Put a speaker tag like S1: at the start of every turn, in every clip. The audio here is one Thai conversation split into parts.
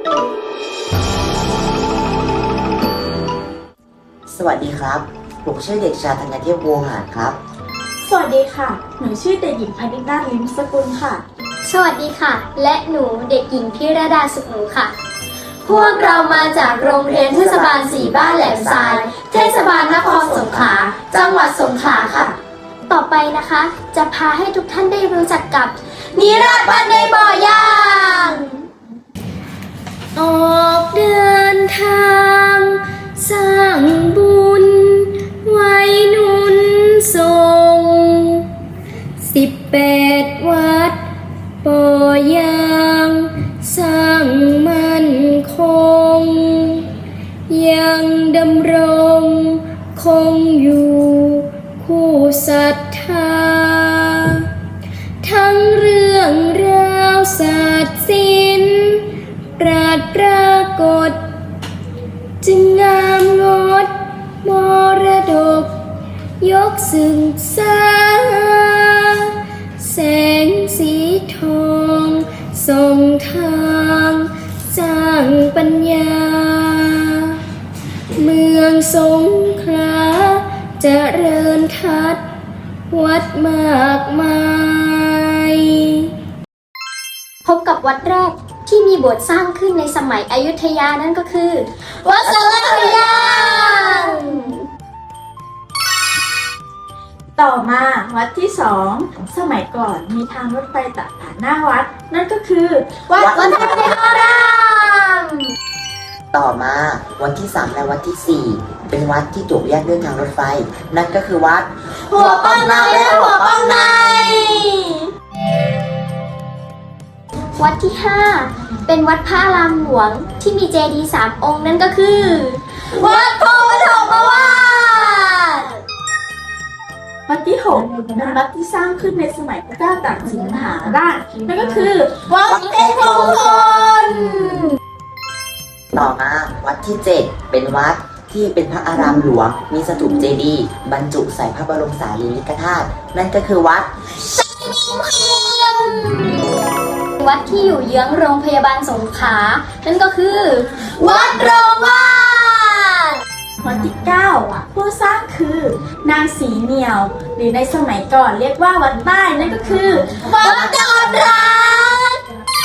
S1: สวัสดีครับผมชื่อเด็กชายธัญเทพวงศ์หารครับ
S2: สวัสดีค่ะหนูชื่อเด็กหญิงพนิดาลิ้มสกุลค่ะ
S3: สวัสดีค่ะและหนูเด็กหญิงพิรดาสุขหนูค่ะพวกเรามาจากโรงเรียนเทศบาล4บ้านแหลมทรายเทศบาลนครสงขลาจังหวัดสงขลาค่ะต่อไปนะคะจะพาให้ทุกท่านได้รู้จักกับนิราศบันในบ่อย่าง ออกเดินทางสร้างบุญไว้หนุนส่ง18 วัดปอยางสร้างมั่นคงยังดำรงคงอยู่คู่ศรัทธาทั้งเรื่องราวศาสตร์ศิลป์ปรากฏจึงงามงดมรดกยกศึกษาแสงสีทองส่องทางสร้างปัญญาเมืองสงขลาเจริญทัดวัดมากมายพบกับวัดแรกที่มีโบสถ์สร้างขึ้นในสมัยอยุธยานั่นก็คือวัดสารคยา
S2: ต่อมาวัดที่สองสมัยก่อนมีทางรถไฟตัดผ่านหน้าวัดนั่นก็คือวัดวัฒนาราม
S1: ต่อมาวัดที่3และวัดที่4เป็นวัดที่ถูกแยกด้วยทางรถไฟนั่นก็คือวัด
S2: หัวป้องในและหัวป้องใน
S3: วัดที่5เป็นวัดพระอารามหลวงที่มีเจดีย์3 องค์นั่นก็คือวัดโพธิ์ปฐมวาส
S2: วัดที่6เป็นวัดที่สร้างขึ้นในสมัยพระเจ้าตากสินมหาราชนั่นก็คือวัดเพชรมงคล
S1: ต่อมาวัดที่7เป็นวัดที่เป็นพระอารามหลวงมีสถูปเจดีย์บรรจุใส่พระบรมสารีริกธาตุนั่นก็คือวัด
S3: วัดที่อยู่เยื้องโรงพยาบาลสงขลานั่นก็คือวัดโรงวาด
S2: วัดที่9ผู้สร้างคือนางสีเหนียวหรือในสมัยก่อนเรียกว่าวัดใต้นั่นก็คือวัดดอนรัก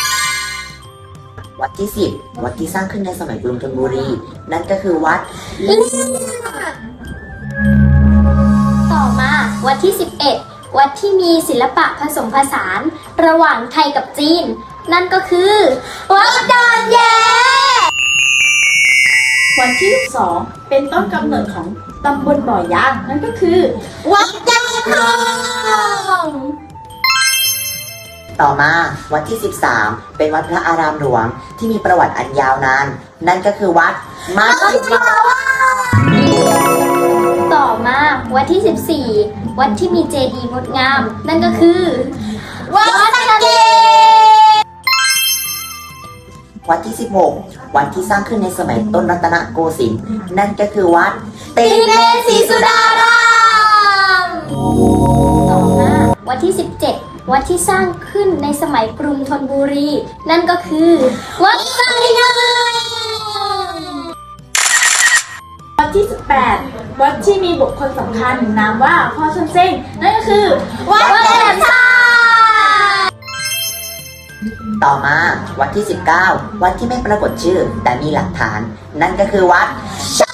S1: วัดที่10วัดที่สร้างขึ้นในสมัยกรุงธนบุรีนั่นก็คือวัด
S3: ต่อมาวัดที่11วัดที่มีศิลปะผสมผสานระหว่างไทยกับจีนนั่นก็คือวัดดอนแย้
S2: วัดที่12เป็นต้นกำเนิดของตำบลบ่อยางนั่นก็คือวัดยางทอง
S1: ต่อมาวัดที่13เป็นวัดพระอารามหลวงที่มีประวัติอันยาวนานนั่นก็คือวัดมัชฌิมาวาส
S3: ต่อมาวัดที่14วัดที่มีเจดีย์งดงามนั่นก็คือวัดสะเกษ
S1: วัดที่16วัดที่สร้างขึ้นในสมัยต้นรัตนโกสินทร์นั่นก็คือวัด
S3: ติเนศรีสุดารามต่อมาวัดที่17วัดที่สร้างขึ้นในสมัยกรุงธนบุรีนั่นก็คือวัดไซงาม
S2: วัดที่18วัดที่มีบุคคลสำคัญนามว่าพ่อชนเซ้งนั่นก็คือวัดแหลมทราย
S1: ต่อมาวัดที่19วัดที่ไม่ปรากฏชื่อแต่มีหลักฐานนั่นก็คือวัดช